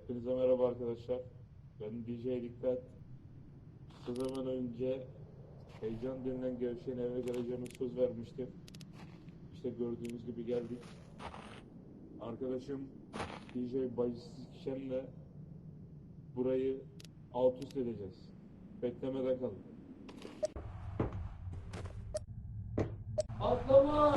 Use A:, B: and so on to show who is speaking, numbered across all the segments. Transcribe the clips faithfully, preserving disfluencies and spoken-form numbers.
A: Hepinize merhaba arkadaşlar. Ben D J Dikkat. Kısa zaman önce heyecan denilen gevşeyen eve geleceğime söz vermiştim. İşte gördüğünüz gibi geldik. Arkadaşım D J Bayşikşen'le burayı alt üst edeceğiz. Beklemeden kalın. Atlama!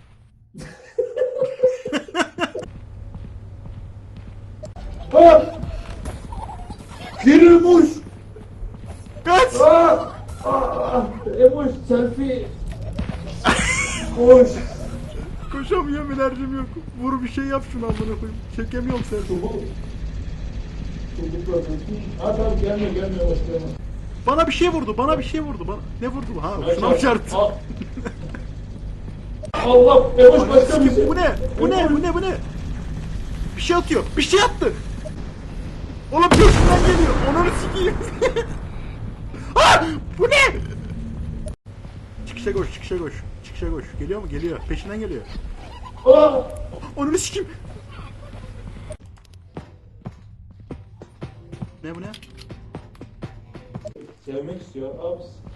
A: Ha! Girimuş!
B: Kaç!
A: Ah! Ah! Emoş selfie! Koş!
B: Koşamıyorum, enerjim yok. Vur bir şey yap şunu amına koyayım. Çekemiyorum seni.
A: Çubuk. Çubukla tutun. Ha tamam gelme gelme Emoş gelme.
B: Bana bir şey vurdu, bana bir şey vurdu. Bana ne vurdu bu? Ha,
A: Aç,
B: şuna
A: aç.
B: çarptı.
A: Al. Allah! Emoş başka bir şey.
B: Bu ne? Bu ne? Bu ne? Bu ne? Bir şey atıyor. Bir şey attı. Oğlum peşinden geliyor. Onu sikeyim. Ha! Bu ne? Çıkışa koş, çıkışa koş. Çıkışa koş. Geliyor mu? Geliyor. Peşinden geliyor.
A: Ah!
B: Onu sikeyim. Ne bu ne?
A: Sevmek istiyor. Abi